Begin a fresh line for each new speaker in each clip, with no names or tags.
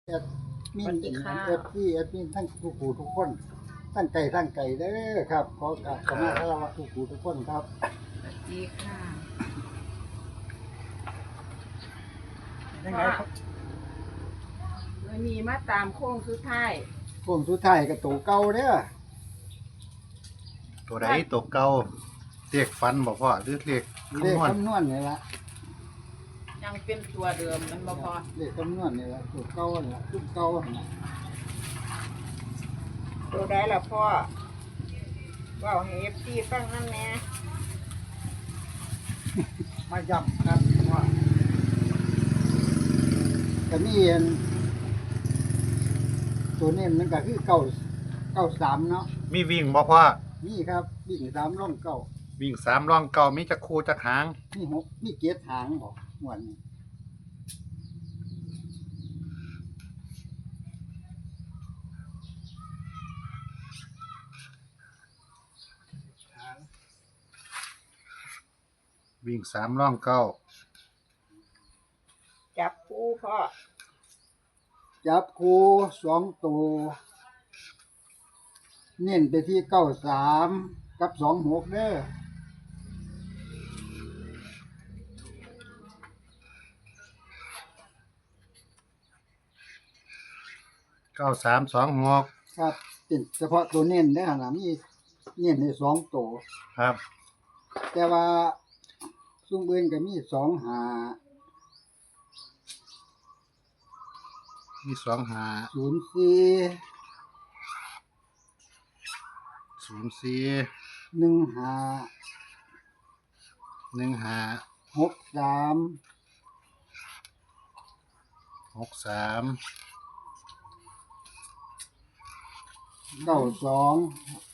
มีนเอฟซีทั้งทุกผู้ทุกคนทั้งไก่เด้อครับขอกราบขอมาคารวะทุกผู้ทุกคนครับ
สวัสดีค่ะ
ยังไงครับ
วันนี้มาตามโค้งสุดท้าย
กับตัวเก่าเด้อ
ตัวใดตัวเก่าเรียกฟันบอกพ่อหรือเรียก
เลข
คำนวณ
คำนวณนี่ละ
ยังเป็นตัวเดิมมันบ่พอ
เลขคำนวณนี่ละตัวเก่านี่ละตัวเก่าน่ะ
ตัวได้ละพ่อว่าให้เอฟซีฟังนั่นแน่
มาย้ำครับว่าก็มีอันตัวนี้มันก็คือเก้าสามเนาะ
มีวิ่งบอกพ่อ
นี่ครับวิ่ง3ร่องเก้า
วิ่ง3ร่องเก่ามีจักคูจักหาง
มี6มีเกียรหางบอกม่วนนี่หาง
วิ่ง3ร่องเก่า
จับคู่พ่อ
จับคู2ตัวเน้นไปที่93กับ26เด้อ
9326
ครับเป็นเฉพาะตัวเน้นได้ขนาดมีเน้นใน2ตัว
ครับ
แต่ว่าซุ่มอื่นก็มี2หา
มี2หา
04
04
1หา
1หา
63
63
92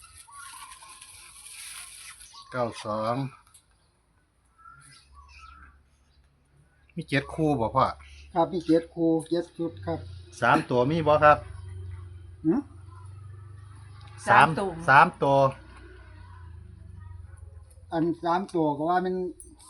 92มี7คู่บอกพ่อ
ครับมี7คู่7ชุดครับ
3ตัวมีบ่ครับ
หึ
3ตัว
อัน3ตัวก็ว่ามัน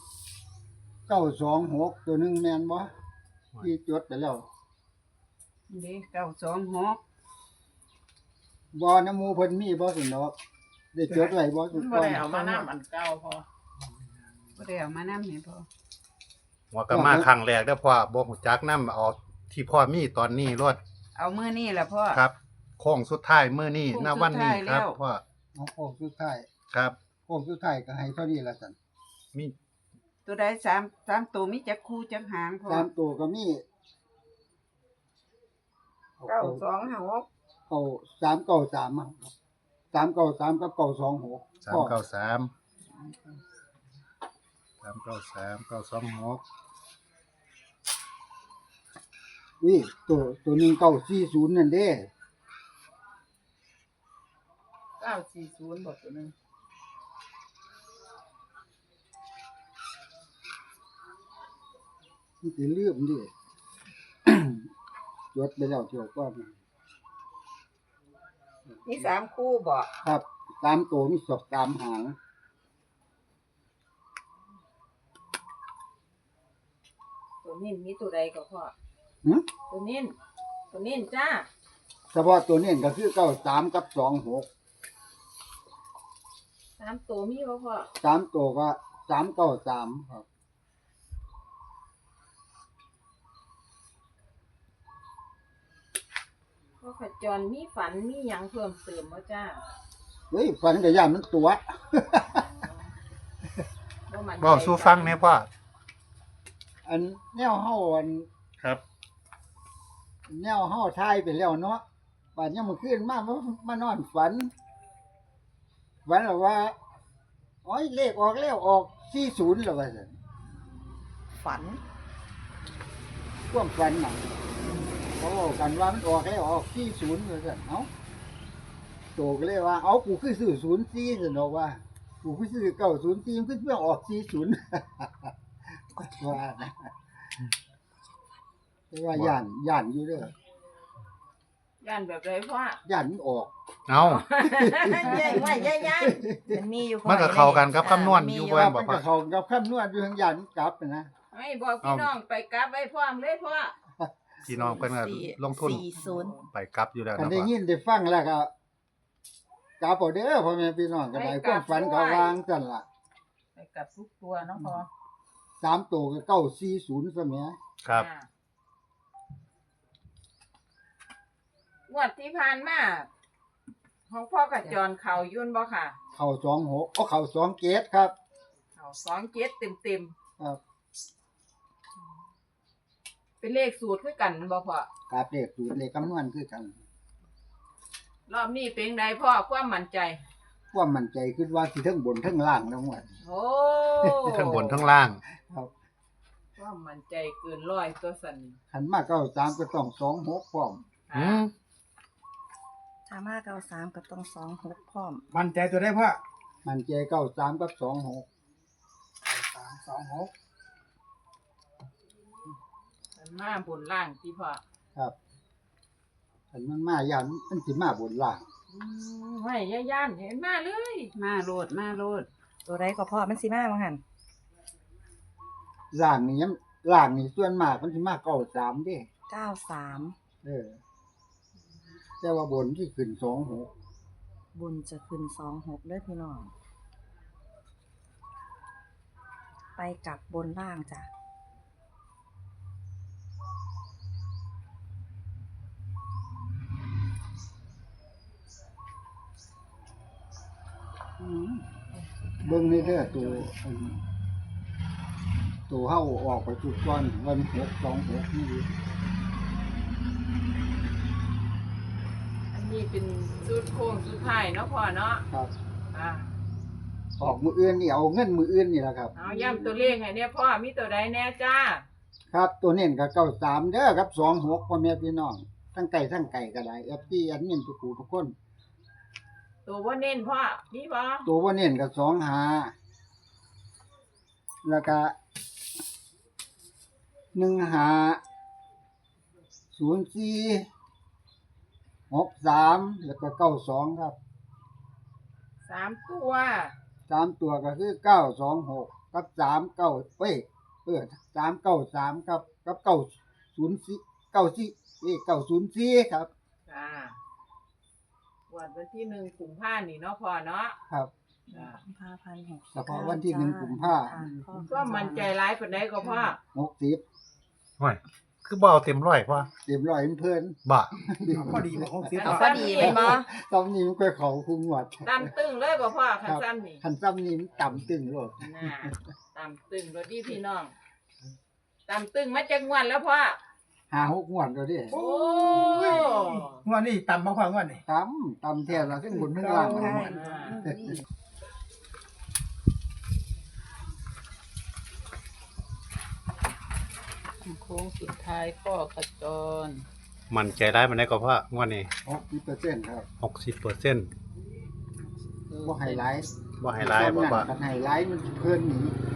926ตัวหนึงแม่นบ่ที่จดไปแล้ว
นี่926
บ่น้ำหมู่เพิ่นมีบ่สินดอกได้จดไว้บ่สุด
บ่
ก่อน
ได้เอามานำอันเก่าพ่อบ่ได้เอามานำให้พ่อ
หัวก็มาครั้งแรกเด้อพ่อบ่ฮู้จักนำเอาที่พ่อมีตอนนี้รถ
เอามื้อนี้ล่ะพ่อ
ครับโค้งสุดท้ายมื้อนี้
โค้ง
ณวันนี้
สุดท้าย
ครับ
แล้ว
พ่อ
เอาโค้งสุดท้าย
ครับ
โค้งสุดท้ายก็ให้เท่านี้ละสั่น
มี
ตัวใด3ตัวมีจักคู่จักหางพ่อ
3ตัวก็มี
926
393อะ393กับ926
393 926
นี่ตัวหนึง940นั่นเด้
940บ่ตัวนึง
มันสิลืมดิ จดไปแล้วเที่ยวก่อน
มี3คู่บ่
ครับ3ตัวมี3หาง
ตัวนี้มีตัวใดก็พ่อ
หึ
ตัวนี้จ้า
เฉพาะตัวนี้ก็คือ93กับ26
3ตัวมีบ่พ่อ
3ตัวก็393ครับ
พ่อขจรมีฝันมีหยังเพิ่มเติมบ่จ้า
เฮ้ยฝันก็ย่านมันตัว
บ่มั่นใจ
เว้าสู่ฟังแหน่พ่อ
อันแนวเฮาอัน
ครับ
แนวเฮาทายไปแล้วเนาะบัดยามมื้อคืนมานอนฝันแล้วว่าโอ้ยเลขออกแล้วออก40แล้วว่าซั่น
ฝัน
ความฝันน่ะเขาบอกกันว่ามันออกแล้วออก40ว่าซั่นเอ้าโตก็เลยว่าเอ้ากูคือซื้อ04ซั่นดอกว่ากูคือซื้อ904มันคือเพื่อออก40 ว่านะแต่ว่าย่านอยู่เด้อย่
านแบบไรพ่อย่
านมันออก
เอา
ใหญ่ว่าใหญ่มันมีอยู่พ่อ
มันก็เข้ากันกับคำนวณอยู่
ค
เว้
รั
น
บ
บ่
มัน
พ่อ
ก็เข้ากับคำนวณอยู่ทางย่านมันกลับนะ
ให้บอกพี่น้องไปกลับไว้พร้อมเลยพ่อ
พี่น้องเพิ่นก็ลงทุน
40
ไปกลับอยู่แล้ว
คัน
เนาะ
ได้
พ่อ
ยินได้ฟังแล้วก็กราบเอาเด้อพ่อแม่พี่น้องก็ได้ความฝันก็วางจั่นล่ะ
ไปกับทุกตัวเนาะพอ
3ตัวก็940ซะแหม
ครับ
อ่างวดที่ผ่านมาของพ่อกับจรเขายุ่นบ่ค่ะ
เข้า26เข้า2เกตครับ
เขา2 7เต็ม
ครับ
ๆเป็นเลขสูตรคือกันบ่พ่อก
ราบเลขสูตรเลขคำนวณคือกัน
รอบนี้เป็นไดพ่อความมั่นใจ
ความมั่นใจคิดว่าสิเทั้งบนเทั้งล่างทั้งหมด
โอ้
ทั้งบนทั้งล่าง
ครับ
ความมั่นใจเกิน100ตัวสั่น
คันมา93ก็ต้อง26พร้อม
อืม
ถ้ามา93ก็ต้อง26พร้อม
มั่นใจตัวได้พ่อ
มันใจ93กับ26
326
มันมาบนล่างที่พ่อ
ครับคันมันมาย่านมันสิมาบนล่าง
ไม่ย่านเห็นมาเลย
มาโลดมาโลด
ตัวใดก็พอมันสิมาบ่หั่น
ล่างนี่ยังล่างนี่ส่วนมากมันสิมา93เด้
93
แต่ว่าบนที่ขึ้น26
บุญจะขึ้น26เด้อพี่น้อง ไปกลับบนล่างจ้ะ
เบิ่งในเด้อตัวอันตัวเฮาออกไปจุดก่อนวัน626นี่
อันนี้เป็นสูตรโค้งสุดท้ายเนาะพ่อเนาะ
ครับ
อ่า
ออกมืออื่นนี่เอาเงินมืออื่นนี่ล่ะครับ
เอาย้ำตัวเลขให้เนี่ยพ่อมีตัวใดแน่จ้า
ครับตัวเน้นก็93เด้อครับ26พ่อแม่พี่น้องทั้งไก่ทั้งไก่ก็ได้ FT อันนี้ทุกผู้ทุกคน
ตัวว่าเน้นพ่อมีบ่
ตัวบ่เน้นก็25แล้วก็1504 63แล้วก็92ครับ
3ตัว
3ตัวก็คือ926กับ39393ครับกับ904ครับ
จ้าวันที่1กุมภาพันธ์นี่เนาะพ่อเนาะ
ครับ
จ้า
กุมภาพันธ์6
เฉพาะวันที่1กุมภาพันธ์
ก็มั่นใจหลายปานใดก็พ่อ
60
ห่วยคือบ่เอาเต็มร้อยพ่อ
เต็มร้อยเพิ่น
บ่
พอดีบ่60
เอาพอดีเป็นบ่
ตำนี้มันก็เขาคุมวัด
ตามตึงเลยบ่พ่อคันซ้ำนี่
คันซ้ำนี้มันต่ำตึงโลด
น่ะตามตึงรถดีพี่น้องตามตึงมาจากงวันแล้วพ่อ
5-6งวดแล้วเดิ
โอ้
งวดนี้ต่ำบ่พ่องวดนี้
ต่ำแท้ละทั้งบนทั้งล่าง
ใช่
โค้งสุดท้ายพ่อกระจร
มั่นใจได้มันได้ก็พ่องวดนี้
60%ครับ
60%
บ่ไฮไลท์
บ่ให้หลายบ่พ่อ
คันไฮไลท์มันเพิ่นหนี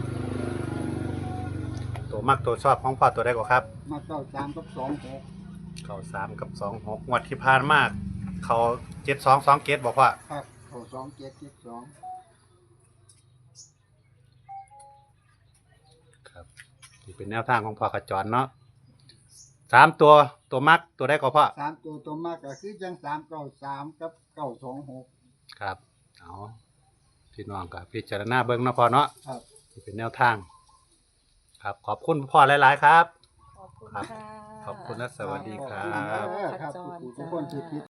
ตัวมักตัวชอบของพ่อตัวใดก็ครับ
มา93กับ26
เข้า3กับ26งวดที่ผ่านมาเขา72 27บ่พ่อ
ครับเขา2772
ครับนี่เป็นแนวทางของพ่อกระจรเนาะ3ตัวมักตัวใดก็พ่อ
3ตัวตัวมากก็คือจัง393กับ926
ครับเอาพี่น้องก็พิจารณาเบิ่งเนาะพ่อเนาะ
ครับ
นี่เป็นแนวทาง ครับขอบคุณพ่อหลายๆครับ
ขอบคุณ
ครับ
ค่ะ
ขอบคุณและสวัสดีครั
ขอบ ณครับทุกคนที่ติด